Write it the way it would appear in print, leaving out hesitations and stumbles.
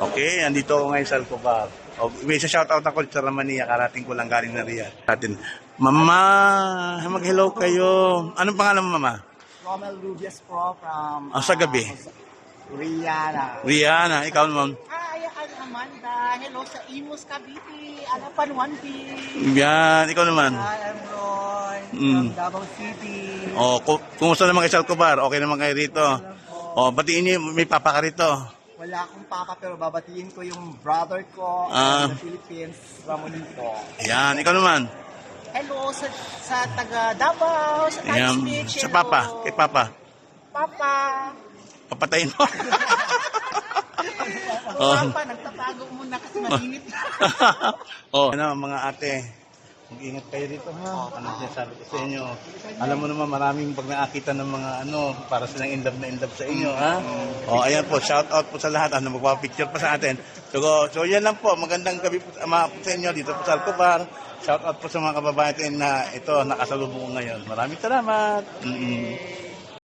Okay, andito ako ngayon sa Alcobar. O, may isa shoutout ako sa Ramania, karating ko lang galing na Riyadh. Atin. Mama, mag-hello kayo. Anong pangalan mo, Mama? Romel Rubias po from Sa gabi. Rihanna. Rihanna, ikaw naman. Hi, I'm Amanda. Hello sa Imus, Cavite. Alapan 1P. Yan, ikaw naman. Hi, I'm Roy Mm. from Davao City. O, kumusta naman kayo sa Alcobar? Okay naman kayo rito? O, batiin niyo, may papa ka rito. Wala akong papa pero babatiin ko yung brother ko Ah. sa Philippines, Ramonito. Yan, ikaw naman. Hello sa taga Davao, sa Tags Yan, Beach. sa Hello. papa, kay papa. Papa. Papatayin mo. Oh. Papa, nagtatago muna kasi mainit. Oh, ano mga ate, mag-ingat kayo dito ha. Ano sinasabi ko sa inyo? Alam mo naman maraming pag nakakita ng mga para silang in love sa inyo ha. Oh, ayan po, shout out po sa lahat. Magpapicture pa sa atin. So yan lang po, magandang gabi po sa inyo dito po sa Alcobar. Shout out po sa mga kababayan natin na ito nakasalubong ko ngayon. Maraming salamat.